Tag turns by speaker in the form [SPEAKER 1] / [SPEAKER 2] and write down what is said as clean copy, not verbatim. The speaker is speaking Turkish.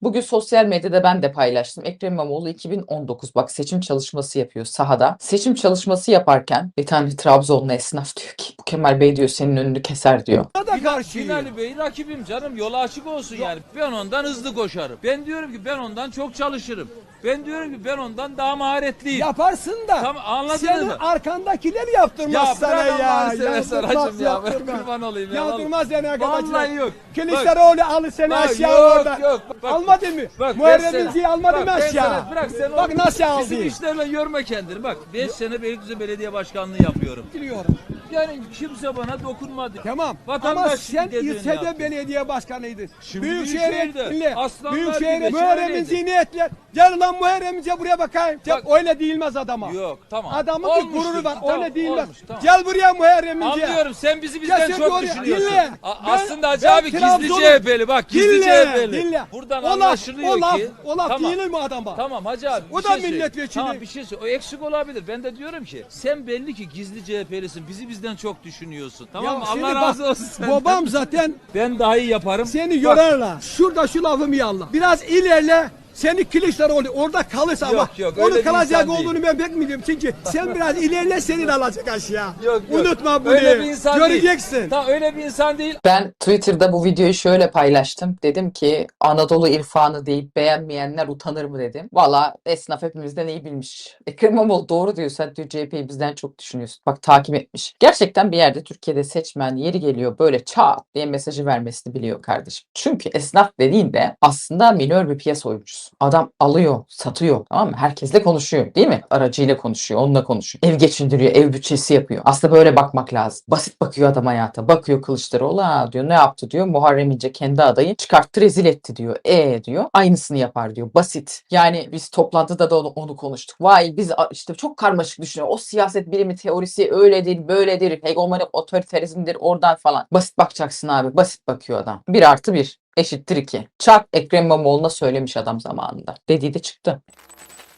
[SPEAKER 1] Bugün sosyal medyada ben de paylaştım. Ekrem İmamoğlu 2019 bak seçim çalışması yapıyor sahada. Seçim çalışması yaparken bir tane Trabzonlu esnaf diyor ki bu Kemal Bey diyor senin önünü keser diyor.
[SPEAKER 2] Da karşıyım. Binali Bey rakibim canım, yolu açık olsun yani. Ben ondan hızlı koşarım. Ben diyorum ki ben ondan çok çalışırım. Ben diyorum ki ben ondan daha maharetliyim.
[SPEAKER 3] Yaparsın da.
[SPEAKER 2] Tamam, anladınız
[SPEAKER 3] senin
[SPEAKER 2] mı?
[SPEAKER 3] arkandakiler yaptırmaz
[SPEAKER 2] Ya
[SPEAKER 3] sana
[SPEAKER 2] bırak
[SPEAKER 3] ya.
[SPEAKER 2] Allah'ını seversen hacım ya. Ben
[SPEAKER 3] yaptırmaz.
[SPEAKER 2] kurban olayım ya.
[SPEAKER 3] Yaptırmaz seni arkadaşlar.
[SPEAKER 2] Vallahi yok.
[SPEAKER 3] Kılıçdaroğlu alır seni
[SPEAKER 2] Bak,
[SPEAKER 3] aşağı
[SPEAKER 2] yok,
[SPEAKER 3] orada.
[SPEAKER 2] yok. Bak,
[SPEAKER 3] Almadı mı?
[SPEAKER 2] Bak,
[SPEAKER 3] Muharrem
[SPEAKER 2] beş
[SPEAKER 3] İnce'yi
[SPEAKER 2] sene-
[SPEAKER 3] almadı
[SPEAKER 2] bak,
[SPEAKER 3] mı
[SPEAKER 2] beş
[SPEAKER 3] aşağı?
[SPEAKER 2] sene- Bırak sen
[SPEAKER 3] Bak nasıl aldı.
[SPEAKER 2] Bizim işlerle yorma kendini. Bak 5 sene Beylikdüzü Belediye Başkanlığı yapıyorum.
[SPEAKER 3] Biliyorum.
[SPEAKER 2] Yani kimse bana dokunmadı.
[SPEAKER 3] Tamam.
[SPEAKER 2] Vatandaş
[SPEAKER 3] Ama sen
[SPEAKER 2] dediğini
[SPEAKER 3] ilçede
[SPEAKER 2] yaptı.
[SPEAKER 3] belediye başkanıydın.
[SPEAKER 2] Şimdi Büyükşehir'de. Aslanlar
[SPEAKER 3] Büyükşehir'de
[SPEAKER 2] gibi
[SPEAKER 3] Muharrem'in
[SPEAKER 2] şöyleydi.
[SPEAKER 3] zihniyetler. Gel lan Muharrem İnce buraya bakayım.
[SPEAKER 2] Bak-
[SPEAKER 3] Öyle değilmez adama.
[SPEAKER 2] Yok, tamam.
[SPEAKER 3] Adamın bir
[SPEAKER 2] Olmuştur.
[SPEAKER 3] gururu var.
[SPEAKER 2] Tamam,
[SPEAKER 3] Öyle değilmez.
[SPEAKER 2] olmuş, tamam.
[SPEAKER 3] Gel buraya Muharrem İnce.
[SPEAKER 2] Anlıyorum, sen bizi bizden
[SPEAKER 3] Kesin
[SPEAKER 2] çok
[SPEAKER 3] doğru.
[SPEAKER 2] düşünüyorsun.
[SPEAKER 3] Dinle.
[SPEAKER 2] Aslında Hacı
[SPEAKER 3] Ben
[SPEAKER 2] abi gizli
[SPEAKER 3] Trabzon'um.
[SPEAKER 2] CHP'li, bak gizli CHP'li.
[SPEAKER 3] Dinle.
[SPEAKER 2] Buradan
[SPEAKER 3] O laf-
[SPEAKER 2] anlaşılıyor
[SPEAKER 3] o laf-
[SPEAKER 2] ki.
[SPEAKER 3] o laf
[SPEAKER 2] tamam.
[SPEAKER 3] değil mi adama?
[SPEAKER 2] Tamam Hacı abi.
[SPEAKER 3] O
[SPEAKER 2] bir
[SPEAKER 3] da
[SPEAKER 2] şey söyle.
[SPEAKER 3] milletvekili.
[SPEAKER 2] Tamam, bir şey söyle. O eksik olabilir. Ben de diyorum ki sen belli ki gizli CHP'lisin. Bizi bizden çok düşünüyorsun. Tamam mı?
[SPEAKER 3] şimdi
[SPEAKER 2] Allah
[SPEAKER 3] bak,
[SPEAKER 2] razı olsun senden.
[SPEAKER 3] Babam zaten
[SPEAKER 2] Ben daha iyi yaparım.
[SPEAKER 3] seni
[SPEAKER 2] Bak,
[SPEAKER 3] yorarlar. Şurada şu lafımı yalla. Biraz ilerle. Seni Kılıçdaroğlu orada kalırsa ama
[SPEAKER 2] Yok, öyle
[SPEAKER 3] onun
[SPEAKER 2] bir
[SPEAKER 3] kalacak
[SPEAKER 2] insan değil.
[SPEAKER 3] olduğunu ben pek biliyorum. Çünkü sen biraz ilerle senin alacak aşağı.
[SPEAKER 2] Yok.
[SPEAKER 3] Unutma bunu.
[SPEAKER 2] Öyle bir insan
[SPEAKER 3] Göreceksin.
[SPEAKER 2] değil. Tamam, öyle bir insan değil.
[SPEAKER 1] Ben Twitter'da bu videoyu şöyle paylaştım. Dedim ki Anadolu irfanı deyip beğenmeyenler utanır mı dedim. Valla esnaf hepimizden iyi bilmiş. Ekrem İmamoğlu doğru diyor. Sen diyor CHP'yi bizden çok düşünüyorsun. Bak takip etmiş. Gerçekten bir yerde Türkiye'de seçmen yeri geliyor böyle çat diye mesajı vermesini biliyor kardeşim. Çünkü esnaf dediğinde aslında minör bir piyasa oyuncusu. Adam alıyor, satıyor. Tamam mı? Herkesle konuşuyor değil mi? Aracıyla konuşuyor, onunla konuşuyor. Ev geçindiriyor, ev bütçesi yapıyor. Aslında böyle bakmak lazım. Basit bakıyor adam hayata. Bakıyor Kılıçdaroğlu ha diyor ne yaptı diyor. Muharrem İnce kendi adayı çıkarttı rezil etti diyor. Diyor. Aynısını yapar diyor. Basit. Yani biz toplantıda da onu konuştuk. Vay biz işte çok karmaşık düşünüyor. O siyaset bilimi teorisi öyledir, böyledir. Hegemonik otoriterizmdir oradan falan. Basit bakacaksın abi. Basit bakıyor adam. 1+1 eşittir 2. Çarp Ekrem İmamoğlu'na söylemiş adam zamanında. Dediği de çıktı.